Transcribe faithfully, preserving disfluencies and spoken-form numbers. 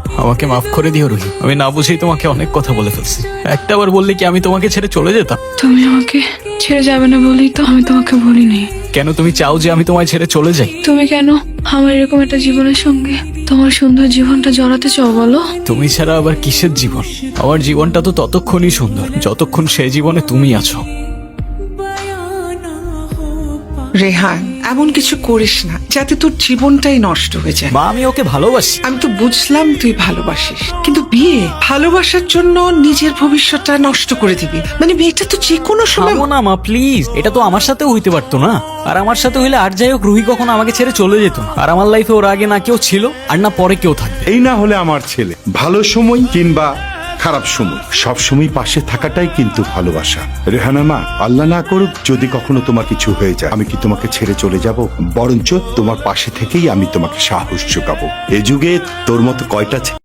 আমাকে মাফ করে দিও রুহি, আমি না বুঝেই তোমাকে অনেক কথা বলে ফেলছি। একটা বার বললে কি আমি তোমাকে ছেড়ে চলে যেতাম? তুমি আমাকে ছেড়ে যাবে না বলেই তো আমি তোমাকে বলিনি। কেন তুমি চাও যে আমি তোমায় ছেড়ে চলে যাই? তুমি কেন আমার এরকম একটা জীবনের সঙ্গে তোমার সুন্দর জীবনটা জড়াতে চাও বলো? তুমি ছাড়া আবার কিসের জীবন? আমার জীবনটা তো ততক্ষণই সুন্দর যতক্ষণ সেই জীবনে তুমি আছো। রেহান, এমন কিছু করিস না যাতে তোর জীবনটাই নষ্ট হয়ে যায়। মা, আমি ওকে ভালোবাসি। আমি তো বুঝলাম তুই ভালোবাসিস, কিন্তু বিয়ে ভালোবাসার জন্য নিজের ভবিষ্যৎটা নষ্ট করে দিবি মানে বিয়েটা তো যে কোনো সময়। থামো না মা প্লিজ, এটা তো আমার সাথেও হইতে পারতো না। আর আমার সাথে হইলে আর যাই হোক রুহি কখনো আমাকে ছেড়ে চলে যেত না। আর আমার লাইফে ওর আগে না কেউ ছিল আর না পরে কেউ থাকবে। এই না হলে আমার ছেলে ভালো সময় কিংবা খারাপ সময় সব সময় পাশে থাকাটাই কিন্তু ভালোবাসা। রেহানা মা, আল্লাহ না করুক যদি কখনো তোমার কিছু হয়ে যায়, আমি কি তোমাকে ছেড়ে চলে যাব? বরঞ্চ তোমার পাশে থেকেই আমি তোমাকে সাহস যোগাবো। এ যুগে তোর মতো কয়টা ছে-